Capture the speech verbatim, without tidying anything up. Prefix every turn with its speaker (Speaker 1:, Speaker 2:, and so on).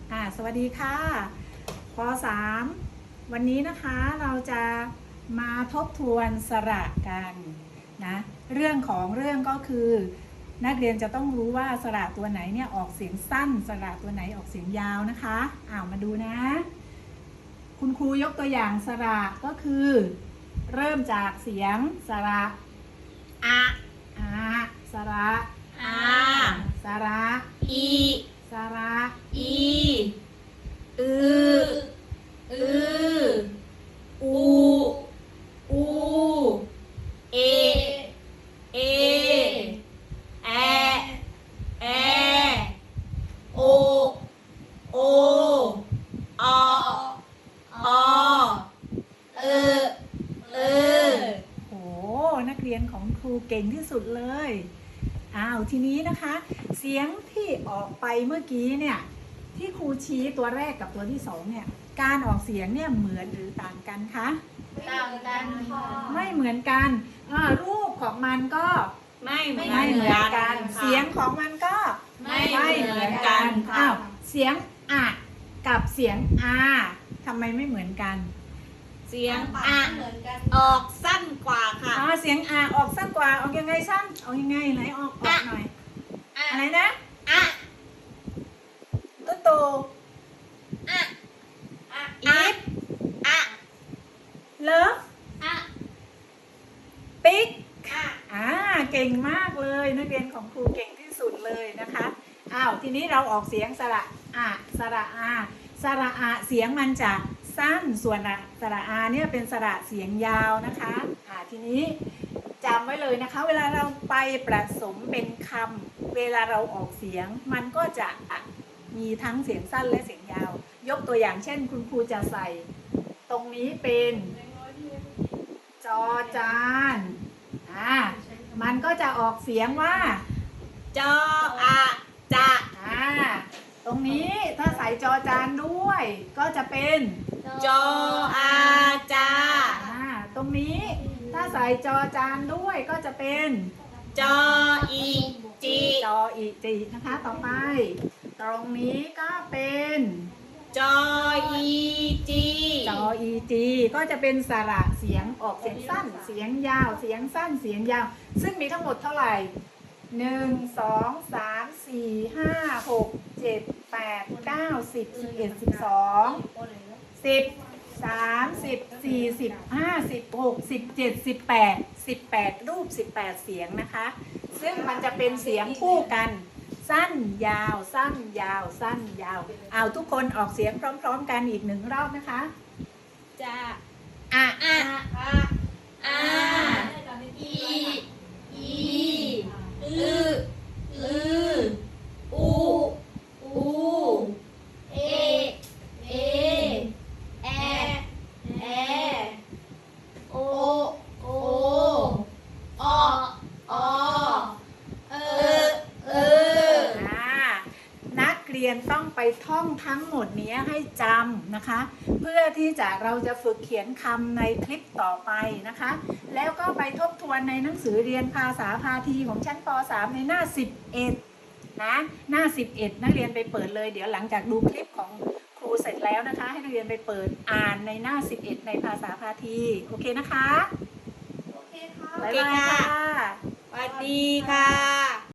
Speaker 1: อ่าสวัสดีค่ะป สาม วันนี้นะคะเราจะมาทบทวนสระกันนะเรื่องของเรื่องก็คือนักเรียนจะต้องรู้ว่าสระตัวไหนเนี่ยออกเสียงสั้นสระตัวไหนออกเสียงยาวนะคะอ้าวมาดูนะคุณครูยกตัวอย่างสระก็คือเริ่มจากเสียงสระอะอะสระ
Speaker 2: อา
Speaker 1: สระ
Speaker 2: อี
Speaker 1: สระ
Speaker 2: อี
Speaker 1: อือ
Speaker 2: อืออูอูเอเอแอแอโอโอออเออเออ
Speaker 1: โหนักเรียนของครูเก่งที่สุดเลยอ้าวทีนี้นะคะเสียงที่ออกไปเมื่อกี้เนี่ยที่ครูชี้ตัวแรกกับตัวที่สองเนี่ยการออกเสียงเนี่ยเหมือนหรือต่างกันคะ
Speaker 2: ต่างกันค่ะ
Speaker 1: ไม่เหมือนกันอ่ารูปของมันก็
Speaker 2: ไม่เหมือน
Speaker 1: ไม่เหมือนกัน
Speaker 2: ค่ะ
Speaker 1: เสียงของมันก็
Speaker 2: ไม่เหมือนกันค่ะ
Speaker 1: อ้าวเสียงอะกับเสียงอาทำไมไม่เหมือนกัน
Speaker 2: เสียงอะออกสั้นกว่าค่ะ
Speaker 1: อ๋อเสียงอาออกสั้นกว่าออกยังไงสั้นออกยังไงไหนออกออกหน่อยอะไรนะ
Speaker 2: อะ
Speaker 1: ตุ๊โต
Speaker 2: อะอะ
Speaker 1: อีฟ
Speaker 2: อะ
Speaker 1: เลิฟ
Speaker 2: อะ
Speaker 1: ปิ๊ก
Speaker 2: อะ
Speaker 1: อ่าเก่งมากเลยนักเรียนของครูเก่งที่สุดเลยนะคะอ้าวทีนี้เราออกเสียงสระอะสระอาสระอาเสียงมันจะสั้นส่วนสระอาเนี่ยเป็นสระเสียงยาวนะคะอ่าทีนี้จำไว้เลยนะคะเวลาเราไปผสมเป็นคำเวลาเราออกเสียงมันก็จะมีทั้งเสียงสั้นและเสียงยาวยกตัวอย่างเช่นคุณครูจะใส่ตรงนี้เป็นจอจานอ่ามันก็จะออกเสียงว่า
Speaker 2: จออะจะ
Speaker 1: อ่าตรงนี้ถ้าใส่จอจานด้วย ก็จะเป็น
Speaker 2: จออาจา
Speaker 1: อ่าตรงนี้ถ้าใส่จอจานด้วยก็จะเป็น
Speaker 2: จออีจี
Speaker 1: จออีจีนะคะต่อไป ตรงนี้ก็เป็น
Speaker 2: จออีจี
Speaker 1: จออีจีก็จะเป็นสระเสียงออกเสียงสั้นเสียงยาวเสียงสั้นเสียงยาว ซึ่งมีทั้งหมดเท่าไหร่หนึ่งสองสามสี่ห้าหกเจ็ดแปดเก้าสิบสิบเอ็ดสิบสองสิบสามสิบสี่สิบห้าสิบหกสิบเจ็ดสิบแปดสิบแปดรูปสิบแปดเสียงนะคะ ซึ่งมันจะเป็นเสียงคู่กัน สั้นยาวสั้นยาวสั้นยาวเอาทุกคนออกเสียงพร้อมๆกันอีกหนึ่งรอบนะคะ
Speaker 2: จะ
Speaker 1: อะ
Speaker 2: อะอะอาอีอีอืออืออูอูเอเอแอแอโอโออออเออเออ
Speaker 1: อ่านักเรียนต้องไปท่องทั้งหมดนี้ให้จำนะคะ เพื่อที่จะเราจะฝึกเขียนคำในคลิปต่อไปนะคะ แล้วก็ไปทบทวนในหนังสือเรียนภาษาพาทีของชั้นป สาม ในหน้าสิบเอ็ดนะหน้าสิบเอ็ดนักเรียนไปเปิดเลยเดี๋ยวหลังจากดูคลิปของครูเสร็จแล้วนะคะ ให้นักเรียนไปเปิดอ่านในหน้าสิบเอ็ดในภาษาพาทีโอเคนะคะ
Speaker 2: โอเคค่ะ
Speaker 1: บ๊ายบายค่ะ
Speaker 2: สวัสดีค่ะ